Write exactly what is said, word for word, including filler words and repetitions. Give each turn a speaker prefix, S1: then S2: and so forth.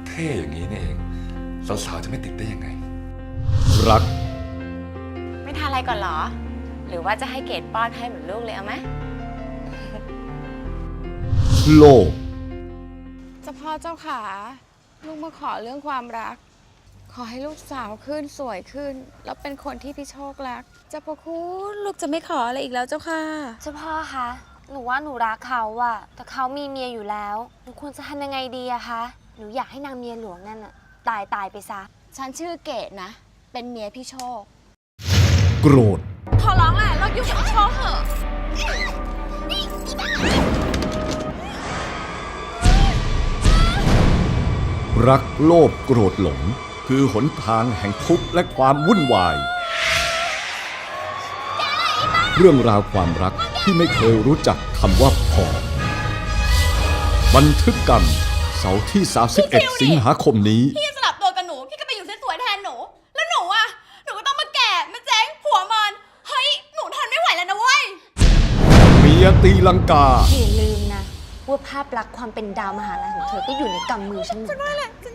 S1: เท่อย่างนี้นี่เองสาวๆจะไม่ติดได้ยังไง
S2: รัก
S3: ไม่ทานอะไรก่อนเหรอหรือว่าจะให้เกดป้อนให้เหมือนลูกเลยเอาไหม
S2: โลก
S4: เจ้าพ่อเจ้าขาลูกมาขอเรื่องความรักขอให้ลูกสาวขึ้นสวยขึ้นแล้วเป็นคนที่พี่โชครักเจ้าพ่อคุณลูกจะไม่ขออะไรอีกแล้วเจ้าค่ะ
S5: เจ้าพ่อคะหนูว่าหนูรักเขาอะแต่เขามีเมียอยู่แล้วหนูควรจะทำยังไงดีอะคะหนูอยากให้นางเมียหลวงนั่นอะตายตายไปซะ
S4: ฉันชื่อเกดนะเป็นเมียพี่โชค
S2: โกรธ
S4: ขอร้องแหละเราอยู่กับโชคเถอะ
S2: รักโลภโกรธหลงคือหนทางแห่งทุกข์และความวุ่นวายเรื่องราวความรักที่ไม่เคยรู้จักคำว่าพอบันทึกกันเสาร์ที่สามสิบเอ็ดสิงหาคมนี้
S4: พี่สลับตัวกับหนูพี่ก็ไปอยู่สวยๆแทนหนูแล้วหนูอ่ะหนูก็ต้องมาแก่มาเจ๊งผัวมันเฮ้ยหนูทนไม่ไหวแล้วนะเว้ย
S2: เมียตีลังกา
S5: อย่าลืมนะว่าภาพลักษณ์ความเป็นดาวมหาลัยของเธอก็อยู่ในกำมือฉันเหมือนกัน